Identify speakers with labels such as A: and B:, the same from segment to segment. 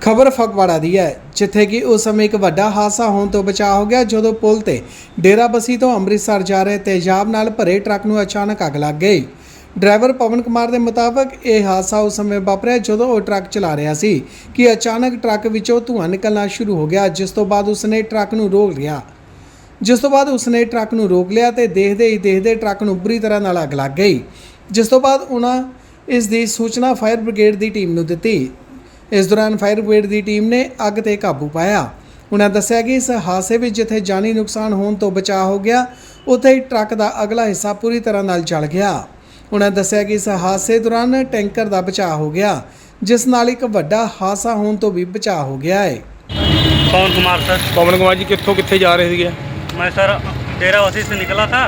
A: खबर फगवाड़ा दी है जिथे कि उस समय एक वड्डा हादसा होने तो बचा हो गया जो पुल ते डेरा बसी तो अमृतसर जा रहे तेजाब नाल भरे ट्रक नूं अचानक अग लग गई। ड्राइवर पवन कुमार के मुताबिक यह हादसा उस समय वापरिया जदों वह ट्रक चला रहा सी कि अचानक ट्रक विचों धुआं निकलना शुरू हो गया, जिस तो बाद उसने ट्रक नूं रोक लिया। जिस तो बाद उसने ट्रक नूं रोक लिया तो देखते ही देखते ट्रक नूं बुरी तरह नाल अग लग गई, जिस तो बाद उन्होंने इस दी सूचना फायर ब्रिगेड की टीम नूं दित्ती। इस दौरान फायर ब्रिगेड की टीम ने अग ते काबू पाया। उन्हें दस्सिया कि इस हादसे में जिथे जानी नुकसान होने तो बचाव हो गया, उत्थे ही ट्रक का अगला हिस्सा पूरी तरह नाल जल गया। उन्हें दस्सिया कि इस हादसे दौरान टैंकर का बचाव हो गया, जिस नाल एक वड्डा हादसा होने तो भी बचाव हो गया है।
B: पवन कुमार सर।
C: पवन कुमार जी कितों कितने जा रहे थे?
B: मैं सर डेरा बसी से निकला था,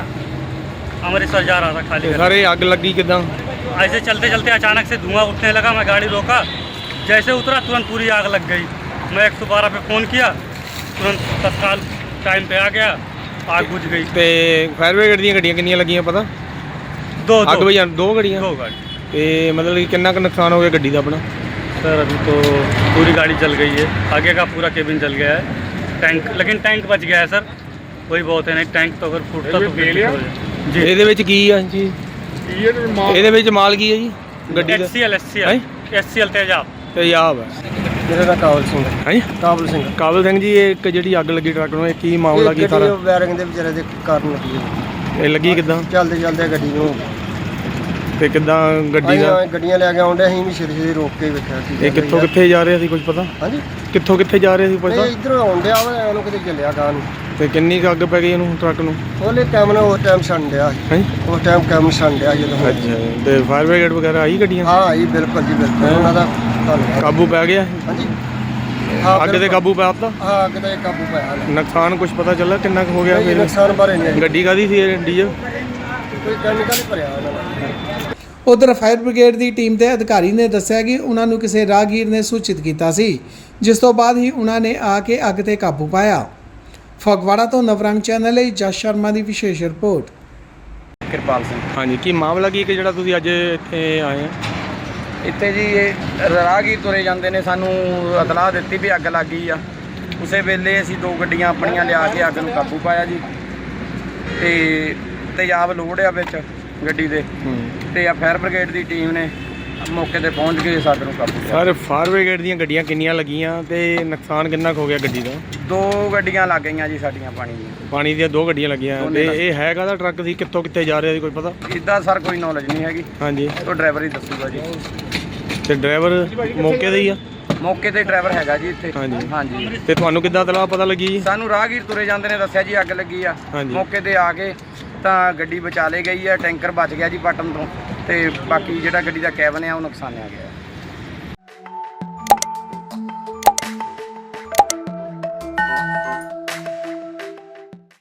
B: अमृतसर जा रहा था खाली।
C: सारे आग लगी किदा?
B: ऐसे चलते चलते अचानक से धुआं उठने लगा, मैं गाड़ी रोका, जैसे उतरा तुरंत पूरी आग लग गई। मैं 112 पे फ़ोन किया, तुरंत तत्काल टाइम पे आ गया, आग बुझ गई।
C: ते फायर ब्रिगेड दी गड्डियां कितनी लगियां पता?
B: दो
C: अग बजा दो गड्डियां।
B: दो गाड़ी।
C: ते मतलब कि कितना नुकसान हो गया गड्डी का अपना?
B: सर अभी तो पूरी गाड़ी जल गई है, आगे का पूरा केबिन जल गया है, टैंक लेकिन टैंक बच गया है सर, वही बहुत है। नहीं टैंक तो अगर फूटता तो जी।
C: ਇਹਦੇ ਵਿੱਚ ਕੀ ਆ ਜੀ? ਇਹਦੇ ਵਿੱਚ ਮਾਲ ਕੀ ਹੈ ਜੀ ਗੱਡੀ ਦਾ?
B: HCL तेजाब।
C: तेजाब है।
D: मेरा नाम काबल सिंह है।
C: ਹਾਂਜੀ
D: काबल सिंह
C: ਕਾਬਲ ਸਿੰਘ ਜੀ, ਇਹ ਇੱਕ ਜਿਹੜੀ ਅੱਗ ਲੱਗੀ ਟਰੱਕ ਨੂੰ, ਇਹ ਕੀ ਮਾਮਲਾ ਕੀ ਸਾਰਾ?
D: ਵਾਇਰਿੰਗ ਦੇ ਵਿਚਾਰੇ ਦੇ ਕਾਰਨ ਲੱਗੀ ਹੈ।
C: ਇਹ ਲੱਗੀ ਕਿੱਦਾਂ
D: ਚੱਲਦੇ ਚੱਲਦੇ ਗੱਡੀ ਨੂੰ
C: ਤੇ ਕਿੱਦਾਂ ਗੱਡੀ ਦਾ?
D: ਗੱਡੀਆਂ ਲੈ ਕੇ ਆਉਂਦੇ ਅਸੀਂ ਵੀ ਛੇਤੀ ਛੇਤੀ ਰੋਕ ਕੇ ਵੇਖਿਆ ਸੀ।
C: ਇਹ ਕਿੱਥੋਂ ਕਿੱਥੇ ਜਾ ਰਿਹਾ ਸੀ ਕੁਝ ਪਤਾ?
D: ਹਾਂਜੀ
C: ਕਿੱਥੋਂ ਕਿੱਥੇ ਜਾ ਰਿਹਾ ਸੀ ਪਤਾ?
D: ਇਹ ਇਧਰੋਂ ਆਉਂਦਿਆ ਵਾ, ਇਹਨੂੰ ਕਿਤੇ ਚੱਲਿਆ ਗਾਂ ਨੂੰ।
C: ਤੇ ਕਿੰਨੀ ਕੁ ਅੱਗ ਪੈ ਗਈ ਇਹਨੂੰ ਟਰੱਕ ਨੂੰ?
D: ਉਹਲੇ ਟਾਈਮ ਨਾਲ ਉਸ ਟਾਈਮ ਛੰਡ ਡਿਆ ਸੀ।
C: ਹਾਂਜੀ
D: ਉਸ ਟਾਈਮ ਕੰਮ ਛੰਡ ਡਿਆ ਜਦੋਂ।
C: ਅੱਛਾ, ਤੇ ਫਾਇਰ ਬ੍ਰਿਗੇਡ ਵਗੈਰਾ ਆਈ ਗੱਡੀਆਂ?
D: ਹਾਂ ਆਈ ਬਿਲਕੁਲ ਜੀ ਬਿਲਕੁਲ, ਉਹਨਾਂ ਦਾ ਧੰਨਵਾਦ।
C: ਕਾਬੂ ਪੈ ਗਿਆ
D: ਹਾਂਜੀ
C: ਅੱਗ ਤੇ ਕਾਬੂ ਪਾ ਦਿੱਤਾ?
D: ਹਾਂ ਅੱਗ ਤੇ ਕਾਬੂ ਪਾਇਆ।
C: ਨੁਕਸਾਨ ਕੁਝ ਪਤਾ ਚੱਲਾ ਕਿੰਨਾ ਕੁ ਹੋ ਗਿਆ?
D: ਇਹ ਨੁਕਸਾਨ ਬਾਰੇ ਨਹੀਂ
C: ਗੱਡੀ ਕਾਹਦੀ ਸੀ ਇਹ? ਡੀਜ਼ਲ
D: ਕੋਈ ਕੈਮੀਕਲ ਹੀ ਭਰਿਆ ਉਹਨਾਂ ਨੇ।
A: उधर फायर ब्रिगेड की टीम के अधिकारी ने दस्सिया कि उन्होंने किसी राहगीर ने सूचित किया सी, जिस तो बाद ही उन्होंने आके अग ते काबू पाया। फगवाड़ा तो नवरंग चैनल ਲਈ जस शर्मा की विशेष रिपोर्ट।
E: ਕਿਰਪਾਲ ਸਿੰਘ।
C: ਹਾਂਜੀ, ਕੀ ਮਾਮਲਾ ਕੀ ਕਿ ਜਿਹੜਾ ਤੁਸੀਂ ਅੱਜ ਇੱਥੇ ਆਏ ਆ?
E: ਇੱਥੇ ਜੀ ਇਹ ਰਾਹਗੀਰ ਤੁਰੇ ਜਾਂਦੇ ਨੇ, ਸਾਨੂੰ ਇਤਲਾਹ ਦਿੱਤੀ ਵੀ ਅੱਗ ਲੱਗ ਗਈ ਆ। ਉਸੇ ਵੇਲੇ ਅਸੀਂ ਦੋ ਗੱਡੀਆਂ ਆਪਣੀਆਂ ਲਿਆ ਕੇ ਅੱਗ ਨੂੰ ਕਾਬੂ ਪਾਇਆ ਜੀ। ਤੇ ਤੇਜ਼ਾਬ ਲੋਡ ਆ ਵਿੱਚ ਗੱਡੀ ਦੇ, ਤੇ ਆ ਫਾਇਰ ਬ੍ਰਿਗੇਡ ਦੀ ਟੀਮ ਨੇ ਮੌਕੇ ਤੇ ਪਹੁੰਚ ਕੇ ਅੱਗ ਨੂੰ ਕਾਬੂ ਪਾਇਆ।
C: ਸਰ ਫਾਇਰ ਬ੍ਰਿਗੇਡ ਦੀਆਂ ਗੱਡੀਆਂ ਕਿੰਨੀਆਂ ਲੱਗੀਆਂ ਤੇ ਨੁਕਸਾਨ ਕਿੰਨਾ ਕੁ ਹੋ ਗਿਆ ਗੱਡੀ ਦਾ?
E: ਦੋ ਗੱਡੀਆਂ ਲੱਗ ਗਈਆਂ ਜੀ ਸਾਡੀਆਂ ਪਾਣੀ ਦੀਆਂ।
C: ਪਾਣੀ ਦੀਆਂ ਦੋ ਗੱਡੀਆਂ ਲੱਗੀਆਂ।
E: ਦੋਨੇ
C: ਤੇ ਇਹ ਹੈਗਾ ਦਾ ਟਰੱਕ ਸੀ, ਕਿੱਥੋਂ ਕਿੱਥੇ ਜਾ ਰਿਹਾ ਸੀ ਕੋਈ ਪਤਾ?
E: ਇੱਦਾਂ ਸਰ ਕੋਈ ਨੌਲੇਜ ਨਹੀਂ ਹੈਗੀ,
C: ਹਾਂਜੀ,
E: ਉਹ ਡਰਾਈਵਰ ਹੀ ਦੱਸੂਗਾ ਜੀ।
C: ਤੇ ਡਰਾਈਵਰ ਮੌਕੇ ਤੇ ਹੀ ਆ?
E: ਮੌਕੇ ਤੇ ਡਰਾਈਵਰ ਹੈਗਾ ਜੀ ਇੱਥੇ।
C: ਹਾਂਜੀ।
E: ਹਾਂਜੀ
C: ਤੇ ਤੁਹਾਨੂੰ ਕਿੱਦਾਂ ਤਲਾਹ ਪਤਾ ਲੱਗੀ ਜੀ?
E: ਸਾਨੂੰ ਰਾਹਗੀਰ ਤੁਰੇ ਜਾਂਦੇ ਨੇ ਦੱਸਿਆ ਜੀ ਅੱਗ ਲੱਗੀ ਆ।
C: ਹਾਂਜੀ।
E: ਮੌਕੇ ਤੇ ਆ ਕੇ ਤਾਂ ਗੱਡੀ ਬਚਾ ਲਈ ਗਈ ਆ, ਟੈਂਕਰ ਬਚ ਗਿਆ ਜੀ ਪਟਨ ਤੋਂ, ਤੇ ਬਾਕੀ ਜਿਹੜਾ ਗੱਡੀ ਦਾ ਕੈਬਨ ਆ ਉਹ ਨੁਕਸਾਨਿਆ ਗਿਆ।